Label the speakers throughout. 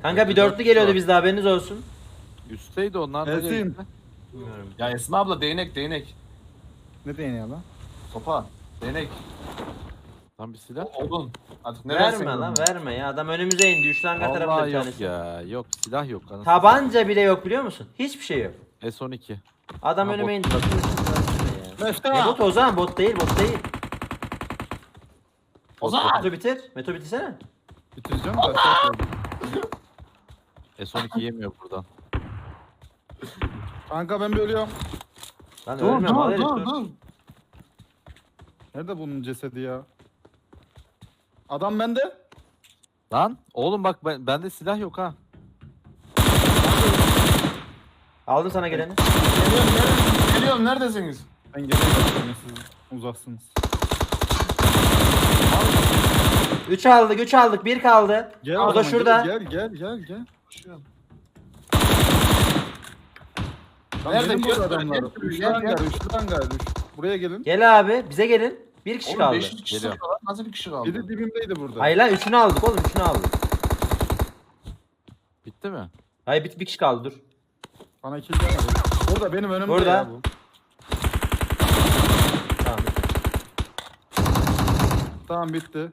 Speaker 1: Kanka bir dörtlü geliyordu bizde, haberiniz olsun.
Speaker 2: Üstteydi onlar da.
Speaker 3: Esin.
Speaker 1: Bilmiyorum.
Speaker 4: Ya Esma abla değnek.
Speaker 3: Ne değneği lan?
Speaker 4: Sopa. Değnek.
Speaker 2: Lan bir silah.
Speaker 4: Odun. Artık ne
Speaker 1: Verme
Speaker 4: versen
Speaker 1: lan,
Speaker 4: onu.
Speaker 1: verme ya. Adam önümüze indi. 3 hangar tarafında
Speaker 2: Vallahi
Speaker 1: bir
Speaker 2: yok
Speaker 1: tanesi.
Speaker 2: ya. Yok silah yok. Anasını
Speaker 1: Tabanca bile yok, biliyor musun? Hiçbir şey yok.
Speaker 2: S12.
Speaker 1: Adam
Speaker 2: Ha,
Speaker 1: önüme
Speaker 2: bot.
Speaker 1: indi. Ya.
Speaker 3: Mefta.
Speaker 1: Ne bot Ozan? Bot değil, bot değil.
Speaker 4: Ozan!
Speaker 1: Meto bitir. Meto bitirsene.
Speaker 3: Bitireceğim de aşağı koydum.
Speaker 2: S12 yemiyor buradan.
Speaker 3: Kanka ben bir ölüyorum.
Speaker 1: Lan
Speaker 4: Dur
Speaker 1: ölmem, al herif,
Speaker 4: dur.
Speaker 3: Nerede bunun cesedi ya? Adam bende.
Speaker 2: Lan oğlum bak bende silah yok ha.
Speaker 1: Aldım sana geleni.
Speaker 4: Geliyorum neredesiniz?
Speaker 3: Ben geri bakıyorum, siz uzaksınız.
Speaker 1: 3 aldık, 3 aldık. 1 kaldı.
Speaker 3: Gel
Speaker 1: O da
Speaker 3: zaman,
Speaker 1: şurada.
Speaker 3: Gel.
Speaker 4: Koşuyorum.
Speaker 3: Lan
Speaker 4: Nerede?
Speaker 3: benim burada
Speaker 4: Gel,
Speaker 3: adamlar.
Speaker 4: gel,
Speaker 3: Üçlü
Speaker 4: gel,
Speaker 3: hangar,
Speaker 4: gel.
Speaker 3: üçlü hangar. Buraya gelin.
Speaker 1: Gel abi, bize gelin. 1 kişi
Speaker 4: Oğlum
Speaker 1: kaldı.
Speaker 4: 500 kişi
Speaker 2: Geliyorum.
Speaker 4: sıkıyorlar. Nasıl bir kişi kaldı?
Speaker 3: Biri dibimdeydi burada.
Speaker 1: Hayır lan, 3'ünü aldık oğlum, 3'ünü aldık.
Speaker 2: Bitti mi?
Speaker 1: Hayır, bir kişi kaldı, dur.
Speaker 3: Bana kill gelmedi. Burada benim önümde
Speaker 1: Burada.
Speaker 3: ya bu.
Speaker 1: Tamam.
Speaker 3: Tamam bitti.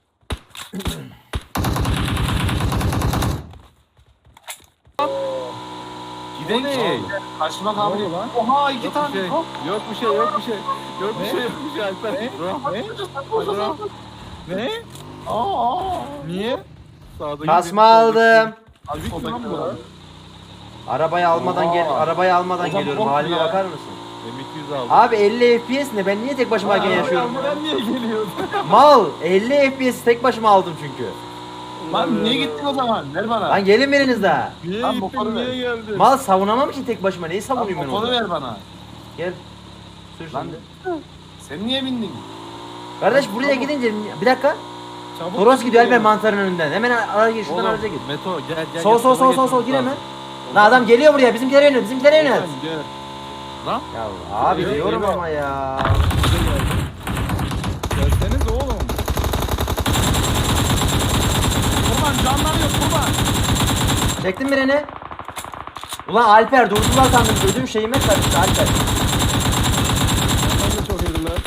Speaker 4: Gidelim. Karşıma
Speaker 3: Ne
Speaker 4: kaldı.
Speaker 3: oldu lan?
Speaker 4: Oha 2
Speaker 2: Yok bir
Speaker 4: tane.
Speaker 2: şey.
Speaker 4: Hop.
Speaker 2: Yok bir şey. Yok bir şey. Yok bir
Speaker 3: Ne?
Speaker 2: şey. Yok bir şey Alper. Bro.
Speaker 3: Ne?
Speaker 4: Aa.
Speaker 3: Niye?
Speaker 2: Sağdaki
Speaker 1: Kasma
Speaker 2: benim,
Speaker 1: aldım.
Speaker 3: Abi
Speaker 4: Soldaki
Speaker 3: lan bu
Speaker 4: var.
Speaker 3: lan.
Speaker 1: Arabayı almadan gel,
Speaker 4: Oha.
Speaker 1: arabayı almadan
Speaker 4: Ozan
Speaker 1: geliyorum.
Speaker 4: bok
Speaker 1: Halime
Speaker 4: ya.
Speaker 1: bakar mısın?
Speaker 2: M200 aldım.
Speaker 1: Abi 50 FPS ne? Ben niye tek başımayken yaşıyorum?
Speaker 3: Ben niye geliyorum?
Speaker 1: Mal, 50 FPS tek başıma aldım çünkü.
Speaker 4: Lan niye gittin o zaman? Ver bana.
Speaker 1: Lan gelin biriniz daha.
Speaker 3: Niye
Speaker 4: Lan
Speaker 3: gittin,
Speaker 4: motoru
Speaker 3: niye
Speaker 4: ver.
Speaker 3: geldin?
Speaker 1: Mal savunamam ki tek başıma. Neyi
Speaker 4: Lan
Speaker 1: savunayım ben
Speaker 4: motoru
Speaker 1: orada?
Speaker 4: ver bana.
Speaker 1: Gel. Sür
Speaker 4: Lan
Speaker 1: şimdi.
Speaker 4: sen niye bindin?
Speaker 1: Kardeş buraya gidince bir dakika.
Speaker 3: Çabuk
Speaker 1: Toros gidiyor
Speaker 3: gidiyor.
Speaker 1: Alper mantarın önünden. Hemen ara gir, şuradan
Speaker 2: Oğlum,
Speaker 1: araca gir.
Speaker 2: Meto gel gel.
Speaker 1: Sol
Speaker 2: gel,
Speaker 1: sol
Speaker 2: sola
Speaker 1: sol sol sol
Speaker 2: geçmemiz
Speaker 1: gir hemen.
Speaker 2: lazım.
Speaker 1: Lan adam geliyor buraya. Bizimkilere yönel. Bizimkilere yönel.
Speaker 3: Ozan, gel.
Speaker 2: Lan
Speaker 1: Ya abi
Speaker 3: Geliyor,
Speaker 1: diyorum
Speaker 3: geliyor.
Speaker 1: ama ya.
Speaker 3: Gelseniz oğlum.
Speaker 4: Kurban canları yok kurban.
Speaker 1: Çektin birini. Ulan Alper durdular sandım. Ödüm şeyime karıştı Alper.
Speaker 3: Onlar da çok iyiler.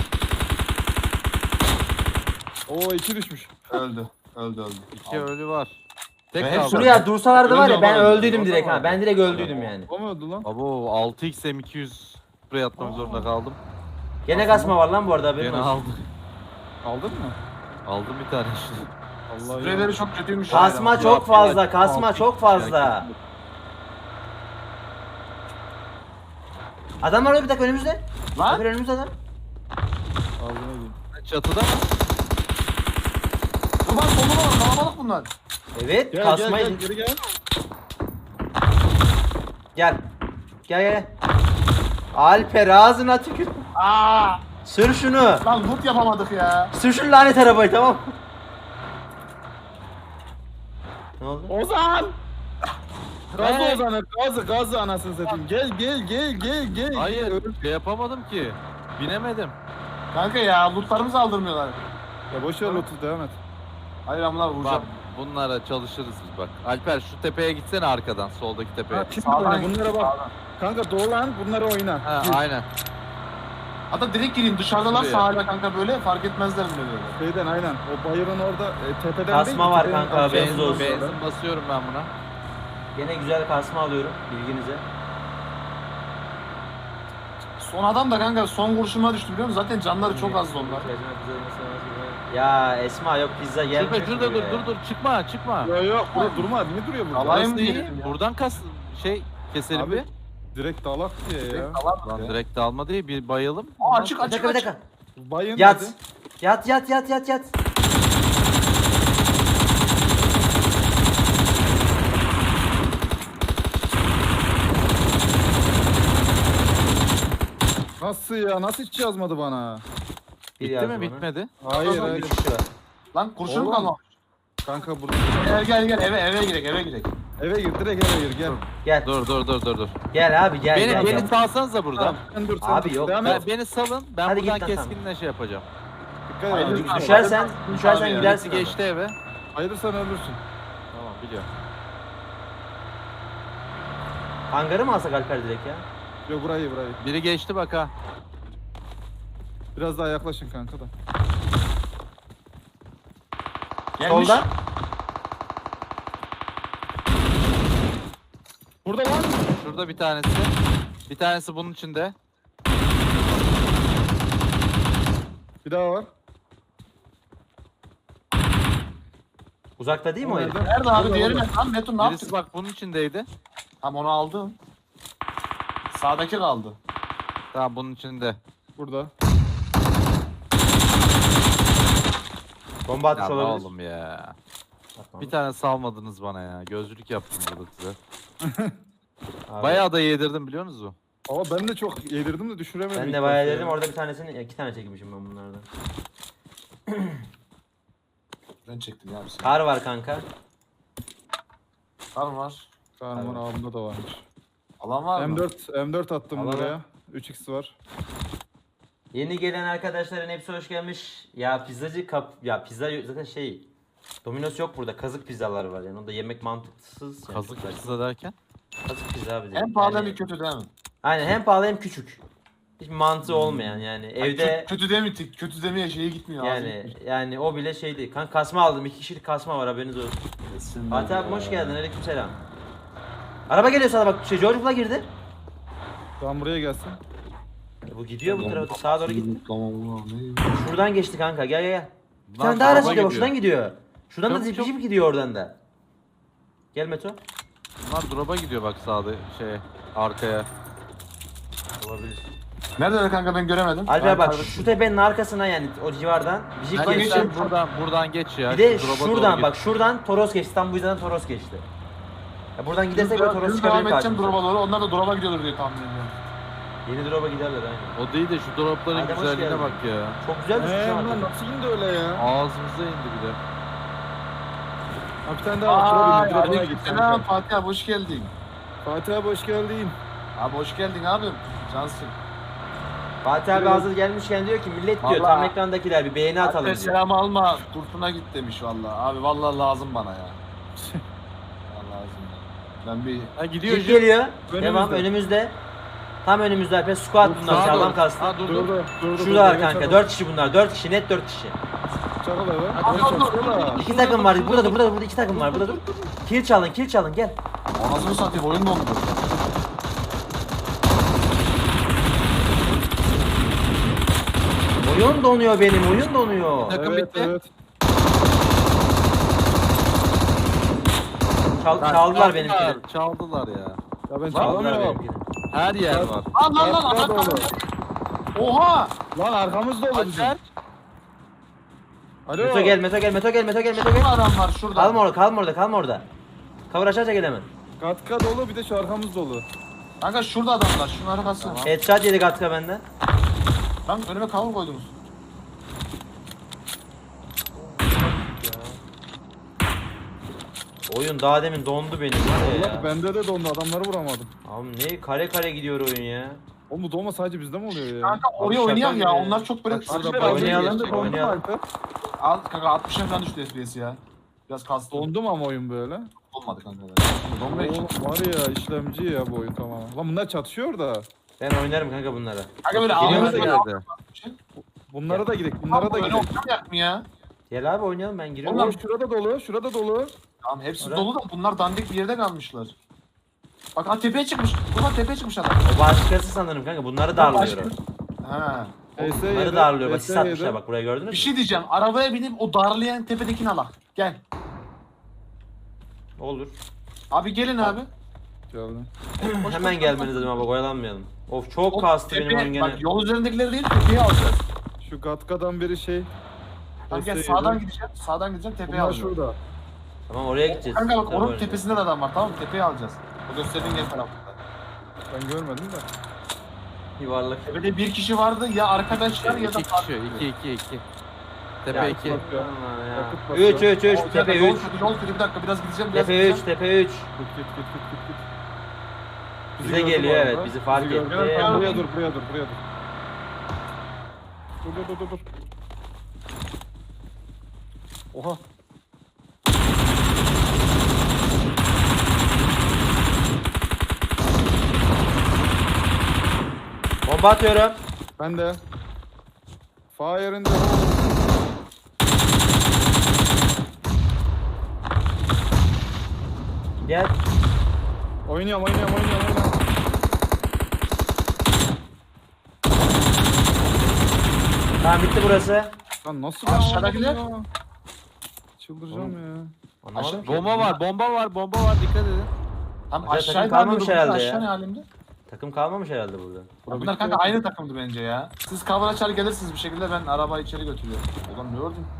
Speaker 3: Oo 2 düşmüş.
Speaker 4: Öldü. Öldü.
Speaker 2: 2 ölü var. Tek
Speaker 4: Ve
Speaker 2: kaldı.
Speaker 4: hepsi-
Speaker 1: Şuraya dursalardı var ya ben
Speaker 4: Öldü ama,
Speaker 1: öldüydüm
Speaker 3: öldü
Speaker 1: direkt
Speaker 3: ama.
Speaker 1: ha. Ben direkt öldüydüm yani.
Speaker 3: O mu öldü lan?
Speaker 2: Abo 6x M200 buraya atmak zorunda kaldım.
Speaker 1: Gene kasma var lan bu arada haberin
Speaker 2: Gene
Speaker 1: olsun.
Speaker 2: aldım.
Speaker 3: Aldın mı?
Speaker 2: Aldım bir tane işte.
Speaker 3: Allah ya.
Speaker 4: Spreyleri çok kötüymüş.
Speaker 1: Kasma
Speaker 4: ya.
Speaker 1: çok fazla.
Speaker 2: Ya,
Speaker 1: Kasma
Speaker 2: altı
Speaker 1: çok
Speaker 2: x
Speaker 1: fazla.
Speaker 2: ya.
Speaker 1: Adam var orada bir dakika önümüzde.
Speaker 4: Lan.
Speaker 1: Haber önümüzde adam.
Speaker 3: Ağzına gireyim.
Speaker 2: Çatıda mı?
Speaker 4: Kurban soluna bak kalabalık bunlar.
Speaker 1: Evet
Speaker 3: Gel
Speaker 1: kasmayı.
Speaker 3: gel geri gel.
Speaker 1: Gel. Gel gel. Alper ağzına tükür.
Speaker 4: Aa.
Speaker 1: Sür şunu.
Speaker 4: Lan loot yapamadık ya.
Speaker 1: Sür şu lanet arabayı tamam. Ne oldu?
Speaker 3: Ozan! Gazı
Speaker 2: Hey!
Speaker 3: Ozan'ı, gazı anasını satayım. Gel.
Speaker 2: Hayır şey yapamadım ki. Binemedim.
Speaker 4: Kanka ya lootlarımızı aldırmıyorlar.
Speaker 3: Ya boş ver Lotus devam et.
Speaker 4: Hayır amına
Speaker 2: Bak
Speaker 4: vuracağım.
Speaker 2: bunlara çalışırız biz bak. Alper şu tepeye gitsene arkadan soldaki tepeye.
Speaker 3: Ha, şimdi
Speaker 4: Sağdan
Speaker 3: oyna, bunlara bak.
Speaker 4: sağdan.
Speaker 3: Kanka dolan bunları oyna.
Speaker 2: Ha
Speaker 3: Gir.
Speaker 2: aynen.
Speaker 4: Hatta direkt gireyim dışarıdalar
Speaker 2: Şuraya.
Speaker 4: sahile kanka böyle fark etmezler bile böyle.
Speaker 3: Şeyden aynen. O bayırın orada tepeden
Speaker 1: Kasma
Speaker 3: değil,
Speaker 1: var
Speaker 3: tepenin
Speaker 1: kanka,
Speaker 3: aşağısında.
Speaker 1: benzin olsun.
Speaker 2: Benzin basıyorum ben buna.
Speaker 1: Gene güzel kasma alıyorum bilginize.
Speaker 4: Son adam da kanka son kurşuma düştü biliyor musun? Zaten canları çok azdı onlar.
Speaker 1: Ya Esma yok pizza gelmiyor.
Speaker 2: Şurada şurada
Speaker 1: ki
Speaker 2: dur
Speaker 1: be.
Speaker 2: dur çıkma çıkma.
Speaker 3: Yok burada durma. Niye duruyor burada?
Speaker 4: Alay mı
Speaker 2: Burası iyi.
Speaker 4: diyelim ya?
Speaker 2: Buradan keselim
Speaker 3: Abi,
Speaker 2: bir.
Speaker 3: direkt dalak diye ya.
Speaker 2: Lan direkt alma değil bir bayalım.
Speaker 4: Aa açık
Speaker 1: Bir
Speaker 4: açık
Speaker 1: dakika bir
Speaker 4: açık.
Speaker 1: dakika.
Speaker 3: Bayın
Speaker 1: Yat.
Speaker 3: dedi.
Speaker 1: Yat.
Speaker 3: Nasıl ya? Nasıl hiç yazmadı bana?
Speaker 1: Bir
Speaker 2: Bitti
Speaker 1: yazdı
Speaker 2: mi
Speaker 1: bana.
Speaker 2: bitmedi?
Speaker 3: Hayır
Speaker 4: Tamam,
Speaker 3: hayır.
Speaker 1: Bir kişi var.
Speaker 4: Lan kurşun
Speaker 3: Oğlum.
Speaker 4: kalmamış.
Speaker 3: Kanka burada.
Speaker 4: Gel eve girek.
Speaker 3: Eve gir direkt eve gir gel.
Speaker 1: Gel.
Speaker 2: Dur.
Speaker 1: Gel abi gel.
Speaker 2: Beni
Speaker 1: gel,
Speaker 2: beni
Speaker 1: gel.
Speaker 2: salsanıza buradan.
Speaker 3: Tamam, sen dur sen
Speaker 1: Abi
Speaker 3: dur.
Speaker 1: yok,
Speaker 3: Devam
Speaker 1: ben-
Speaker 3: et.
Speaker 2: Beni salın. Ben
Speaker 1: Hadi git
Speaker 2: buradan
Speaker 1: lan, tamam.
Speaker 2: keskinle şey yapacağım.
Speaker 3: Dikkat
Speaker 4: Hayır,
Speaker 3: et.
Speaker 4: lütfen.
Speaker 1: Düşersen
Speaker 4: Abi ya.
Speaker 1: gidersin.
Speaker 2: Birisi
Speaker 1: abi.
Speaker 2: geçti eve.
Speaker 3: Hayırsan ölürsün.
Speaker 2: Tamam biliyorum.
Speaker 1: Hangarı mı alsak Alper direkt ya?
Speaker 3: Yo burayı.
Speaker 2: Biri geçti bak ha.
Speaker 3: Biraz daha yaklaşın kanka da.
Speaker 4: Gelmiş.
Speaker 1: Solda.
Speaker 3: Burada var.
Speaker 2: Şurada bir tanesi. Bir tanesi bunun içinde.
Speaker 3: Bir daha var.
Speaker 1: Uzakta değil mi o herif?
Speaker 3: Nerede?
Speaker 4: Nerede abi?
Speaker 3: Burada,
Speaker 4: Diğeri
Speaker 3: burada.
Speaker 4: ne? Lan Metin ne
Speaker 2: Birisi
Speaker 4: yaptın?
Speaker 2: bak bunun içindeydi.
Speaker 4: Tamam onu aldım. Sağdaki kaldı.
Speaker 2: Tamam bunun içinde.
Speaker 3: Burada.
Speaker 1: Bomba
Speaker 2: Ya
Speaker 1: atmış
Speaker 2: ne
Speaker 1: olabilir.
Speaker 2: oğlum ya.
Speaker 1: Atma.
Speaker 2: Bir tane salmadınız bana ya. Gözlülük yaptım burada size.
Speaker 1: Abi,
Speaker 2: Bayağı da yedirdim biliyor musunuz?
Speaker 3: Ama ben de çok yedirdim de düşüremedim.
Speaker 1: ben
Speaker 3: ilk
Speaker 1: de bayağı
Speaker 3: başta
Speaker 1: dedim
Speaker 3: ya.
Speaker 1: orada bir tanesini 2 tane çekmişim ben bunlardan.
Speaker 4: Ben çektim ya bir saniye.
Speaker 1: Kar var kanka.
Speaker 4: Kar var.
Speaker 3: Kahraman abimde de varmış.
Speaker 4: Alan var mı?
Speaker 3: M4 attım
Speaker 1: Alalım.
Speaker 3: buraya. 3x var.
Speaker 1: Yeni gelen arkadaşların hepsi hoş gelmiş. Ya pizzacı ya pizza zaten şey Domino's yok burada. Kazık pizzalar var yani. Onda yemek mantıksız. Yani
Speaker 2: Kazık
Speaker 1: çok
Speaker 2: pizza derken.
Speaker 1: Kazık pizza abi.
Speaker 4: Hem pahalı
Speaker 1: yani,
Speaker 4: hem kötü değil mi?
Speaker 1: Aynen hem pahalı hem küçük. Hiç mantığı olmayan yani. Evde
Speaker 4: Kötü değil mi? Kötü demeye şeye gitmiyor.
Speaker 1: yani o bile şeydi. Kan kasma aldım. 2 kişilik kasma var haberiniz olsun.
Speaker 4: Kesin
Speaker 1: Fatih
Speaker 4: ya.
Speaker 1: abi hoş geldin. Aleykümselam. Araba geliyor sana bak. George Bull'a girdi.
Speaker 3: Tamam buraya gelsin.
Speaker 1: Bu gidiyor bu tarafa sağa doğru gitti.
Speaker 4: Tamam ulan ne?
Speaker 1: Şuradan geçti kanka. Gel gel gel. Bir
Speaker 2: Lan
Speaker 1: tane daha araç
Speaker 2: araba
Speaker 1: gidiyor. Bak
Speaker 2: gidiyor.
Speaker 1: şuradan gidiyor. Şuradan da
Speaker 2: Çok,
Speaker 1: zip
Speaker 2: çok.
Speaker 1: jip gidiyor oradan da. Gel Meto.
Speaker 2: Bunlar drop'a gidiyor bak sağda arkaya.
Speaker 1: Olabilir.
Speaker 4: Nerede kanka ben göremedim.
Speaker 1: Alper bak
Speaker 4: kaybettim.
Speaker 1: şu tepenin arkasına yani o civardan bir jip
Speaker 2: Hadi
Speaker 1: geçti.
Speaker 2: sen buradan geç ya.
Speaker 1: Bir de
Speaker 2: şu drop'a doğru
Speaker 1: şuradan
Speaker 2: git.
Speaker 1: bak şuradan Toros geçti. Tam bu yüzden Toros geçti. Ya buradan gidersek böyle Toros
Speaker 4: Düz
Speaker 1: çıkabilir
Speaker 4: devam edeceğim
Speaker 1: karşımıza.
Speaker 4: drop'a doğru. Onlar da drop'a gidiyorlar diye tahmin ediyorum.
Speaker 1: Yeni drop'a giderler aynen.
Speaker 2: O değil de şu dropların
Speaker 1: Adem, hoş
Speaker 2: güzelliğine
Speaker 1: geldin.
Speaker 2: bak ya.
Speaker 1: Çok güzel düşmüş
Speaker 3: Lan
Speaker 1: ama.
Speaker 3: nasıl indi öyle ya?
Speaker 2: Ağzımıza indi bir de.
Speaker 3: Ha bir tane daha var. Şuraya bin, bir de bana git
Speaker 4: Selam
Speaker 3: kanka.
Speaker 4: Fatih abi hoş geldin.
Speaker 3: Fatih abi hoş geldin.
Speaker 4: Abi hoş geldin abim. Cansın.
Speaker 1: Fatih abi hazır gelmişken diyor ki millet diyor tam
Speaker 4: Vallahi.
Speaker 1: ekrandakiler bir beğeni atalım
Speaker 4: Alper
Speaker 1: diyor.
Speaker 4: selam alma. Kurtuna git demiş vallahi. Abi vallahi lazım bana ya. Vallahi lazım. Ben bir
Speaker 2: Ha gidiyor
Speaker 1: Jip
Speaker 2: jip.
Speaker 1: geliyor.
Speaker 3: Önümüzde.
Speaker 1: Devam önümüzde. Tam önümüzde Alper squat bunlar
Speaker 2: Sağa
Speaker 1: sağlam
Speaker 2: doğru.
Speaker 1: kastı.
Speaker 2: Ha dur dur.
Speaker 3: Durdu.
Speaker 1: Şurada kanka 4 kişi bunlar 4 kişi net 4 kişi.
Speaker 3: Çakal abi.
Speaker 2: Hadi
Speaker 3: Hadi
Speaker 2: dur,
Speaker 3: çaksana.
Speaker 1: 2 takım var burada 2 takım var burada dur. Kill çalın gel.
Speaker 4: anasını satayım oyun dondu.
Speaker 1: Oyun donuyor benim oyun donuyor.
Speaker 2: Takım
Speaker 3: Evet
Speaker 2: bitti.
Speaker 3: evet.
Speaker 1: Çaldılar benimkini.
Speaker 2: Çaldılar ya.
Speaker 3: Ya ben
Speaker 1: Çaldılar
Speaker 3: çalamıyorum.
Speaker 1: benimkini.
Speaker 2: Her yer var.
Speaker 4: Lan
Speaker 3: Arkada
Speaker 4: lan.
Speaker 3: dolu.
Speaker 4: Oha!
Speaker 3: Lan arkamız dolu bizim.
Speaker 2: Alper.
Speaker 3: Alo.
Speaker 1: Meto gel.
Speaker 4: Şurada adam var şurada.
Speaker 1: Kalma orada. Cover aşağı gel hemen.
Speaker 3: Katka dolu bir de şu arkamız dolu.
Speaker 4: Kanka şurada adamlar. Şunun arkası.
Speaker 2: Tamam.
Speaker 1: Headshot yedi Gatka benden.
Speaker 4: Lan önüme kavur koydunuz.
Speaker 1: Oyun daha demin dondu benim var ya.
Speaker 3: Allah bende de dondu adamları vuramadım.
Speaker 1: Abi ne kare gidiyor oyun ya.
Speaker 3: Oğlum bu donma sadece bizde mi oluyor ya?
Speaker 4: Kanka oraya
Speaker 1: şaka
Speaker 4: oynayak
Speaker 1: gibi
Speaker 4: ya.
Speaker 1: ya.
Speaker 4: Onlar çok böyle
Speaker 2: Bak şurada
Speaker 4: Alper,
Speaker 2: bak.
Speaker 1: Oynayalım,
Speaker 3: Ben de dondum
Speaker 1: oynayalım.
Speaker 3: Alper.
Speaker 4: Al kanka 60'a falan düştü FPS ya. Biraz kastı.
Speaker 3: Dondum ama oyun böyle.
Speaker 4: Olmadı kanka. Donmuyor ki.
Speaker 3: Oğlum var ya işlemci ya bu oyun tamamen. Lan bunlar çatışıyor da.
Speaker 1: Ben oynarım kanka bunlara.
Speaker 4: Kanka böyle
Speaker 1: Geliyor
Speaker 4: ağzına
Speaker 1: hadi
Speaker 4: böyle
Speaker 2: Geldi.
Speaker 3: Bunlara da gidelim. Bunlara da
Speaker 4: Böyle
Speaker 3: gidelim.
Speaker 4: oynayak mı ya?
Speaker 1: Gel abi oynayalım ben giriyorum.
Speaker 3: Oğlum şurada dolu. Şurada dolu.
Speaker 4: Tamam hepsi
Speaker 1: Oraya.
Speaker 4: dolu da bunlar dandik bir yerde kalmışlar. Bak ha tepeye çıkmış. Buradan tepeye çıkmış adam.
Speaker 1: O başkası sanırım kanka bunları darlıyor.
Speaker 4: Ha.
Speaker 1: Bunları darlıyor bak sis atmışlar bak buraya gördünüz mü?
Speaker 4: Bir şey diyeceğim. Arabaya binip o darlayan tepedekini alak. Gel.
Speaker 1: Olur.
Speaker 4: Abi gelin abi.
Speaker 3: Geldi.
Speaker 1: Hemen gelmeniz lazım abi oyalanmayalım. Of çok
Speaker 4: O
Speaker 1: kastı benim
Speaker 4: tepe-
Speaker 1: oyun gene.
Speaker 4: Bak yol üzerindekileri değil tepeye alacağız.
Speaker 3: Şu Gatka'dan biri şey.
Speaker 4: Tamam gel
Speaker 3: Desteği
Speaker 4: sağdan
Speaker 3: yedi.
Speaker 4: gideceğim. Sağdan gideceğim tepeye
Speaker 3: Bunlar
Speaker 4: alacağım.
Speaker 3: şurada.
Speaker 1: Tamam oraya gideceğiz.
Speaker 4: Kanka bak
Speaker 1: Tabii
Speaker 4: onun
Speaker 1: oynayacağız.
Speaker 4: tepesinde de adam var tamam mı? Tepeye alacağız. O gösterdiğin yer tarafında.
Speaker 3: Ben görmedim de.
Speaker 1: Yuvarlak.
Speaker 4: Tepede bir kişi vardı ya arkadaşlar ya da
Speaker 2: 2 kişi. 2. Tepe
Speaker 1: Ya,
Speaker 2: 2.
Speaker 3: Bak ya.
Speaker 1: Allah ya.
Speaker 3: Yakıt basıyor.
Speaker 1: 3
Speaker 4: O,
Speaker 1: tepe
Speaker 4: yol
Speaker 1: 3.
Speaker 4: kötü, yol kötü. Bir dakika biraz gideceğim biraz
Speaker 1: Tepe 3
Speaker 4: gideceğim.
Speaker 1: tepe 3.
Speaker 3: Git.
Speaker 1: Bize
Speaker 3: gördü
Speaker 1: geliyor
Speaker 3: bu
Speaker 1: evet
Speaker 3: arada.
Speaker 1: bizi fark
Speaker 3: Bizi
Speaker 1: etti.
Speaker 3: gördü.
Speaker 4: Ya.
Speaker 3: Buraya dur. Dur. Oha.
Speaker 1: Bomba atıyorum.
Speaker 3: Ben de. Fire in the hole.
Speaker 1: Gel.
Speaker 3: Oynuyorum.
Speaker 1: Tamam bitti burası.
Speaker 3: Lan nasıl
Speaker 4: Aşağıdakiler?
Speaker 3: ya? Çıldıracağım ya.
Speaker 1: Anlamadım ki.
Speaker 2: Bomba var, dikkat edin.
Speaker 4: Tam
Speaker 1: Aşağı takım
Speaker 4: aşağıya
Speaker 1: kalmamış
Speaker 4: kalmadı
Speaker 1: herhalde
Speaker 4: aşağı
Speaker 1: ya.
Speaker 4: ne halimde?
Speaker 1: Takım kalmamış herhalde burada.
Speaker 4: Bunlar kanka aynı takımdı bence ya. Siz cover açar gelirsiniz bir şekilde ben arabayı içeri götürüyorum. Ulan ne ördün?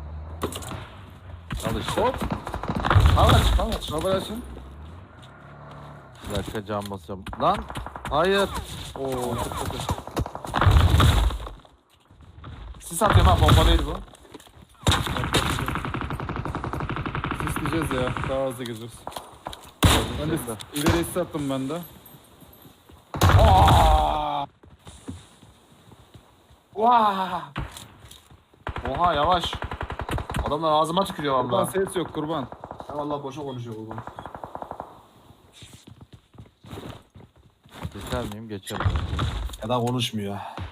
Speaker 2: Al işte.
Speaker 3: Hop.
Speaker 4: Cover aç.
Speaker 3: Haber açın.
Speaker 2: Bir dakika cam basacağım. Lan hayır.
Speaker 3: Oo çok kötü.
Speaker 4: Sis atıyorum ha bomba değil bu.
Speaker 3: Sisleyeceğiz ya. Daha hızlı gireceğiz. Ben de ileri sis attım ben de.
Speaker 4: Aa! Vaa! Oha yavaş. Adamlar ağzıma tükürüyor
Speaker 3: Kurban
Speaker 4: valla.
Speaker 3: ses yok kurban.
Speaker 4: Ya vallahi boşa konuşuyor kurban.
Speaker 2: Geçer miyim? Geçerim.
Speaker 4: Ya da konuşmuyor.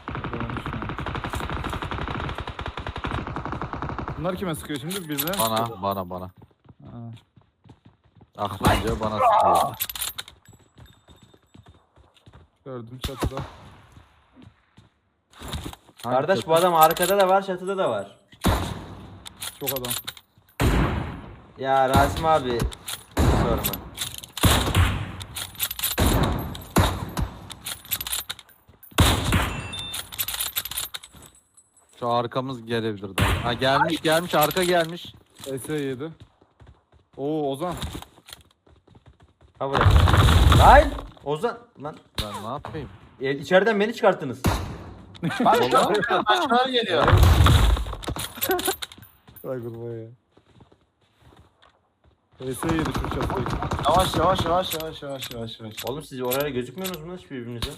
Speaker 3: Bunlar kime sıkıyor şimdi? Bize.
Speaker 2: Bana.
Speaker 3: Ha.
Speaker 2: Aklınca bana sıkıyor.
Speaker 3: Gördüm çatıda.
Speaker 1: Kardeş bu adam arkada da var, çatıda da var.
Speaker 3: Çok adam.
Speaker 1: Ya Rasim abi sorma.
Speaker 2: Şu arkamız gelebilir daha. Ha gelmiş arka gelmiş.
Speaker 3: S7. Oo Ozan.
Speaker 1: Ha burası. Lan Ozan lan
Speaker 2: Ben ne yapayım?
Speaker 1: içeriden beni çıkarttınız.
Speaker 4: Başkaları geliyor.
Speaker 3: Ay kurban ya. S7 şu çatıdaki.
Speaker 4: Yavaş.
Speaker 1: Oğlum siz oraya gözükmüyorsunuz mu hiç birbirinize?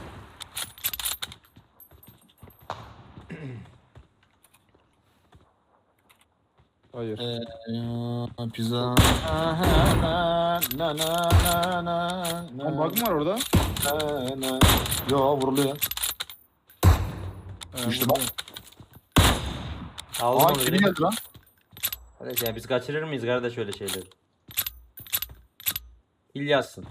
Speaker 3: Hayır.
Speaker 4: Pizza.
Speaker 3: Lan bug mı var orada?
Speaker 4: Yo vuruluyor. Düştü bak.
Speaker 1: Aldım
Speaker 4: Aa
Speaker 1: onu
Speaker 4: kim
Speaker 1: direkt.
Speaker 4: geldi lan?
Speaker 1: Kardeş ya biz kaçırır mıyız kardeş öyle şeyleri? İlyas'sın.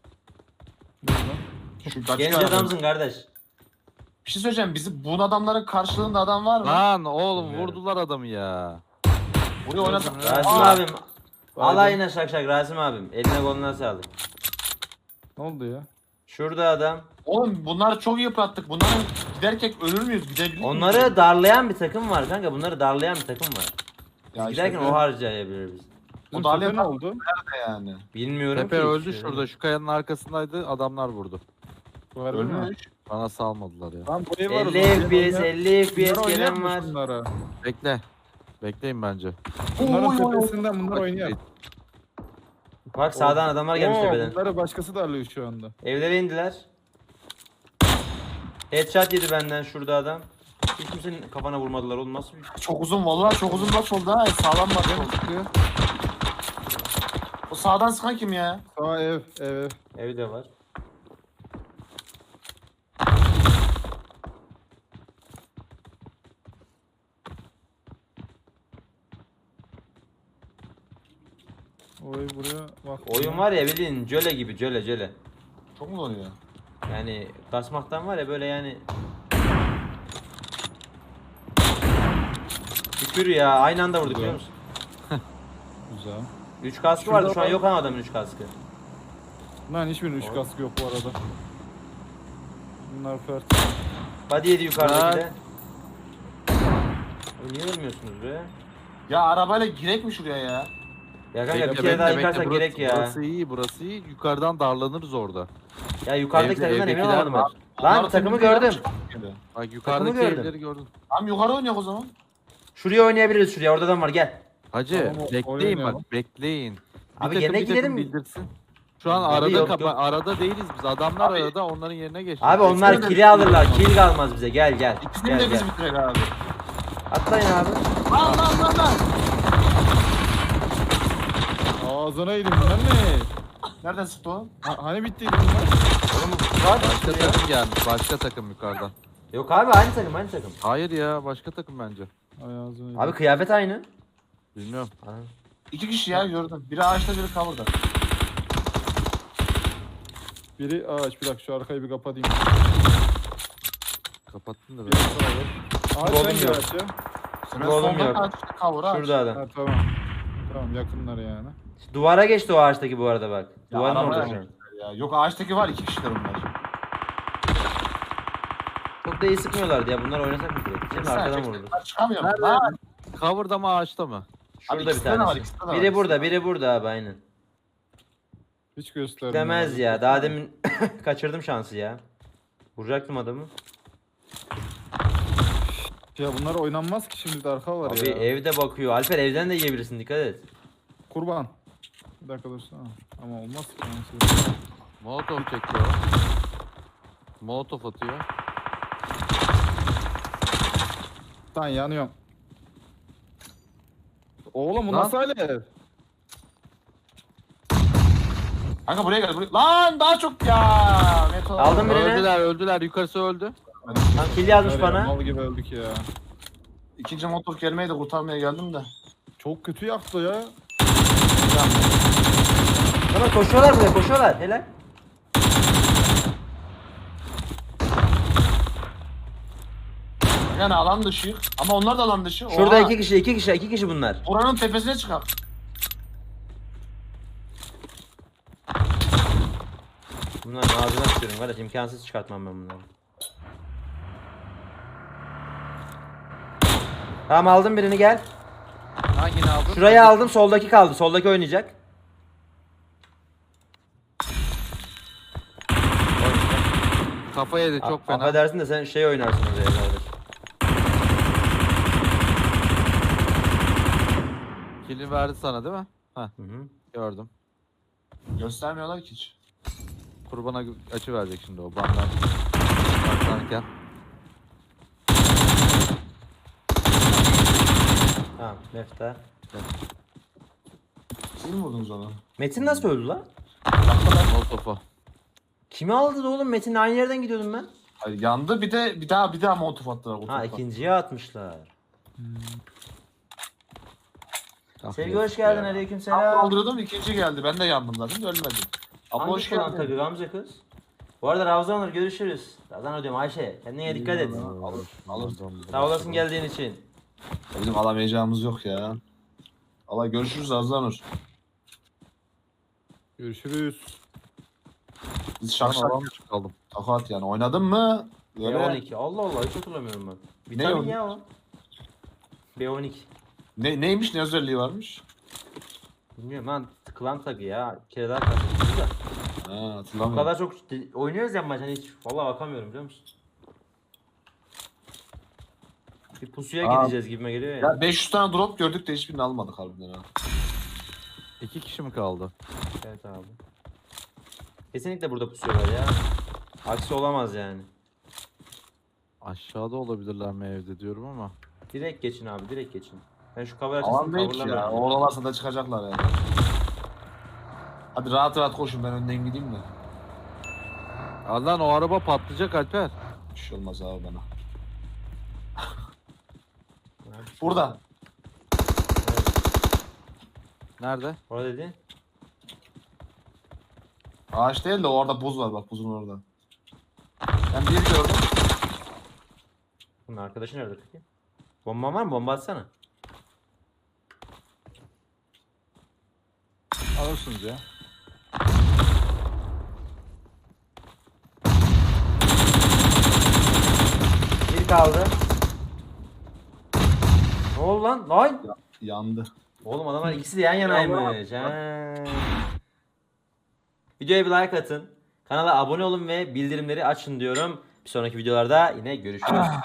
Speaker 4: Şu kaç
Speaker 1: Genç
Speaker 4: tane-
Speaker 1: adamsın kardeş.
Speaker 4: Bir şey söyleyeceğim. Bizi bu adamların karşılığında adam var mı?
Speaker 2: Lan oğlum
Speaker 1: Bilmiyorum.
Speaker 2: vurdular adamı ya.
Speaker 4: Buraya oynasın.
Speaker 1: Rasim abim. Alayına şak Rasim abim. Eline koluna sağlık.
Speaker 3: Ne oldu ya?
Speaker 1: Şurada adam.
Speaker 4: Oğlum bunları çok yıprattık. Bunları giderken ölür müyüz? Gidebilir miyiz?
Speaker 1: Onları darlayan bir takım var kanka. Bunları darlayan bir takım var.
Speaker 4: Ya
Speaker 1: Biz
Speaker 4: işte
Speaker 1: giderken o harcayabilir biz.
Speaker 3: Bizim
Speaker 4: darlayan
Speaker 3: tepe ne oldu?
Speaker 4: nerede yani?
Speaker 1: Bilmiyorum
Speaker 2: Tepe
Speaker 1: ki.
Speaker 2: öldü şurada. Şu kayanın arkasındaydı. Adamlar vurdu.
Speaker 3: Var mı?
Speaker 4: Ölmüş.
Speaker 2: Bana salmadılar ya.
Speaker 3: Lan bu ev var.
Speaker 1: 50 FPS, 50 FPS gelen var.
Speaker 3: Bunlara.
Speaker 2: Bekle. Bekleyin bence.
Speaker 3: Bunların
Speaker 4: Oy.
Speaker 3: tepesinden bunlar oynuyor.
Speaker 1: Bak sağdan adamlar gelmiş
Speaker 3: Oo,
Speaker 1: tepeden.
Speaker 3: bunları başkası darlıyor şu anda.
Speaker 1: Evlere indiler. Headshot yedi benden şurada adam. Hiç kimsenin kafana vurmadılar oğlum nasıl bir...
Speaker 4: Çok uzun vallahi çok uzun maç oldu ha. Sağlam maç oldu. O sağdan sıkan kim ya?
Speaker 3: Sağ ev.
Speaker 1: Evde var.
Speaker 3: O ev buraya bak.
Speaker 1: Oyun var ya bildiğin jöle gibi jöle.
Speaker 4: Çok mu oluyor?
Speaker 1: Yani kasmaktan var ya böyle yani. Şükür ya aynı anda vurduk biliyor musun?
Speaker 3: Güzel.
Speaker 1: 3 kaskı
Speaker 3: Şurada
Speaker 1: vardı şu an
Speaker 3: var.
Speaker 1: yok ama adamın 3 kaskı.
Speaker 3: Lan hiçbirinin 3 kaskı yok bu arada. Bunlar fert.
Speaker 1: Body yedi yukarıdaki de. Oğlum niye ölmüyorsunuz be?
Speaker 4: Ya arabayla girek mi şuraya ya?
Speaker 1: Ya kanka bir
Speaker 2: Bekle,
Speaker 1: kere daha
Speaker 2: bekle,
Speaker 1: yıkarsak
Speaker 2: burası-
Speaker 1: gerek ya.
Speaker 2: Burası iyi. Yukarıdan darlanırız orada.
Speaker 1: Ya yukarıdaki
Speaker 2: Evde-
Speaker 1: takımdan emin
Speaker 2: evdekiler
Speaker 1: olamadım
Speaker 2: var.
Speaker 1: ben. Lan
Speaker 4: Onları
Speaker 1: takımı
Speaker 4: temizliyor,
Speaker 1: gördüm.
Speaker 4: çıkıyor.
Speaker 2: Bak yukarıdaki
Speaker 1: gördüm.
Speaker 2: evleri gördüm.
Speaker 4: Tamam yukarı oynayak o zaman.
Speaker 1: Şuraya oynayabiliriz şuraya orada adam var gel.
Speaker 2: Hacı
Speaker 3: Tamam,
Speaker 2: bekleyin
Speaker 3: oynayalım.
Speaker 2: bak bekleyin. Bir
Speaker 1: Abi
Speaker 2: takım,
Speaker 1: gene
Speaker 2: bir takım
Speaker 1: gidelim.
Speaker 2: bildirsin. Şu an
Speaker 1: Abi
Speaker 2: arada
Speaker 1: yok, yok.
Speaker 2: arada değiliz biz. Adamlar
Speaker 4: Abi-
Speaker 2: arada onların yerine geçti.
Speaker 1: Abi onlar
Speaker 4: Eksene de
Speaker 1: kill'i alırlar.
Speaker 4: bitiririz.
Speaker 1: Kill kalmaz bize gel gel.
Speaker 4: İkisini
Speaker 1: Gel
Speaker 4: de
Speaker 1: gel.
Speaker 4: biz bitirek abi.
Speaker 1: Atlayın abi.
Speaker 4: Lan.
Speaker 3: Ağzına yedim bunlar ne?
Speaker 4: Nereden sıktı o?
Speaker 3: Hani bittiydi bunlar?
Speaker 1: Oğlum var.
Speaker 2: Başka
Speaker 1: Ya.
Speaker 2: takım gelmiş. Başka takım yukarıdan.
Speaker 1: Yok abi aynı takım aynı takım.
Speaker 2: Hayır ya başka takım bence.
Speaker 3: Ay ağzını
Speaker 1: Abi kıyafet aynı.
Speaker 2: Bilmiyorum.
Speaker 1: Ha.
Speaker 4: 2 kişi ya gördüm. Biri ağaçta biri cover'da.
Speaker 3: Biri ağaç, bir dakika şu arkayı bir kapatayım.
Speaker 2: Kapattın da
Speaker 3: Bir
Speaker 2: ben.
Speaker 3: Ağaç
Speaker 1: Oğlum
Speaker 3: hangi
Speaker 1: yok.
Speaker 3: ağaç ya?
Speaker 4: Ben
Speaker 1: Oğlum
Speaker 4: solda
Speaker 1: yok.
Speaker 4: ağaç, cover ağaç.
Speaker 1: Şurada adam.
Speaker 3: Ha tamam. Tamam yakınlar yani.
Speaker 1: Duvara geçti o ağaçtaki bu arada bak.
Speaker 4: Ya
Speaker 1: Duvarın
Speaker 4: arabaya
Speaker 1: orada şu an.
Speaker 4: geçtiler ya. Yok ağaçtaki var 2 kişiler bunlar.
Speaker 1: Çok da iyi sıkmıyorlardı ya. Bunlar oynasak mı direkt? Şimdi arkadan vurdu.
Speaker 4: Çıkamıyor mu?
Speaker 2: Nerede?
Speaker 4: Ha,
Speaker 2: Cover'da mı ağaçta mı?
Speaker 1: Şurada bir
Speaker 4: ikisinde de var,
Speaker 1: tanesi.
Speaker 4: ikisinde de var,
Speaker 1: Biri
Speaker 4: ikisinde
Speaker 1: burada,
Speaker 4: de var.
Speaker 1: biri burada abi aynen.
Speaker 3: Hiç göstermiyor.
Speaker 1: Demez ya. Daha demin kaçırdım şansı ya. Vuracaktım adamı.
Speaker 3: Ya bunlar oynanmaz ki, şimdi de arka var
Speaker 1: Abi
Speaker 3: ya.
Speaker 1: evde bakıyor. Alper evden de yiyebilirsin dikkat et.
Speaker 3: Kurban. Bir dakika dursana. Ama olmaz ki. Nasıl?
Speaker 2: Molotov çekiyor. Molotov atıyor.
Speaker 3: Lan yanıyorum. Oğlum bu
Speaker 2: Lan.
Speaker 3: nasıl alev?
Speaker 4: Kanka buraya gel. Buraya. Lan daha çok ya. Meto.
Speaker 1: Aldım birini.
Speaker 2: Öldüler. Yukarısı öldü.
Speaker 1: Lan kill yazmış
Speaker 3: Var ya,
Speaker 1: bana.
Speaker 3: Mal gibi öldük ya.
Speaker 4: İkinci motor kelimeyi de kurtarmaya geldim de.
Speaker 3: Çok kötü yaktı ya.
Speaker 1: Ama koşuyorlar buraya koşuyorlar. Helal.
Speaker 4: Yani alan dışı. Ama onlar da alan dışı.
Speaker 1: Şurada
Speaker 4: Oha.
Speaker 1: iki kişi bunlar.
Speaker 4: Oranın tepesine çıkar.
Speaker 1: Bunlar ağzına tutuyorum kardeş imkansız çıkartmam ben bunları. Tamam aldım birini gel.
Speaker 2: Hangini aldın?
Speaker 1: Şurayı aldım soldaki kaldı. Soldaki oynayacak.
Speaker 2: Kafa yedi çok fena.
Speaker 1: Affedersin de sen şey oynarsın oraya kardeş.
Speaker 2: Kill'i verdi sana değil mi? Heh
Speaker 1: Hı hı.
Speaker 2: gördüm.
Speaker 4: Göstermiyorlar ki hiç.
Speaker 2: Kurbana açı verecek şimdi o bandan. Baklarken.
Speaker 1: Tamam mefta.
Speaker 4: Siz mi vurdunuz onu?
Speaker 1: Metin nasıl öldü lan?
Speaker 2: Molotov'u.
Speaker 1: Kimi aldı da oğlum? Metin'le aynı yerden gidiyordum ben.
Speaker 4: Hayır, yandı bir daha molotof attılar.
Speaker 1: Ha
Speaker 4: otofa.
Speaker 1: ikinciye atmışlar.
Speaker 2: Ah,
Speaker 1: Sevgi
Speaker 2: yazık
Speaker 1: hoş geldin
Speaker 2: ya.
Speaker 1: aleyküm
Speaker 4: Ben
Speaker 1: selam.
Speaker 4: kaldırıyordum ikinci geldi. Ben de yandım zaten de ölmedim. Abla hoş
Speaker 1: Hangi
Speaker 4: geldin.
Speaker 1: tabii Gamze kız? Bu arada Ravza Onur görüşürüz. Ravza diyorum Ayşe. Kendine dikkat et.
Speaker 4: Alır.
Speaker 1: Sağ olasın geldiğin için.
Speaker 4: Bizim alamayacağımız yok ya. Allah görüşürüz Azlanur.
Speaker 3: Görüşürüz.
Speaker 4: Biz
Speaker 2: Ben
Speaker 4: şak şak
Speaker 2: alan dışı kaldım.
Speaker 4: takat yani. Oynadın mı? Böyle
Speaker 1: B12. Allah Allah hiç hatırlamıyorum ben. Vitamin
Speaker 4: o?
Speaker 1: ya o. B12.
Speaker 4: neymiş ne özelliği varmış?
Speaker 1: Bilmiyorum lan klan tagı ya. Bir kere daha karşılaştık da.
Speaker 4: Ha
Speaker 1: O
Speaker 4: hatırlamıyorum.
Speaker 1: kadar çok oynuyoruz ya maç hani hiç vallahi bakamıyorum biliyor musun? Bir pusuya
Speaker 4: Aa.
Speaker 1: gideceğiz gibime geliyor ya.
Speaker 4: Ya 500 tane drop gördük de hiçbirini almadık harbiden ha.
Speaker 2: 2 kişi mi kaldı?
Speaker 1: Evet abi. Kesinlikle burada pusuyorlar ya. Aksi olamaz yani.
Speaker 2: Aşağıda olabilirler mi evde diyorum ama.
Speaker 1: Direkt geçin abi direkt geçin. Ben şu cover
Speaker 4: Alan
Speaker 1: açısını
Speaker 4: değil ki ya.
Speaker 1: coverlamıyorum.
Speaker 4: Oralarsa da çıkacaklar yani. Hadi rahat rahat koşun ben önden gideyim de.
Speaker 2: Lan o araba patlayacak Alper.
Speaker 4: Bir şey olmaz abi bana. Burada.
Speaker 2: Nerede?
Speaker 1: Orada dedi.
Speaker 4: Ağaç değil de orada buz var bak buzun orada. Ben bir gördüm.
Speaker 1: Bunun arkadaşı nerede peki? Bomban var mı? Bomba atsana.
Speaker 3: Alırsınız ya.
Speaker 1: Bir kaldı. Ne oldu lan? Lan!
Speaker 4: Yandı.
Speaker 1: Oğlum adamlar ikisi de yan yanaymış. Ha. Videoya bir like atın. Kanala abone olun ve bildirimleri açın diyorum. Bir sonraki videolarda yine görüşürüz.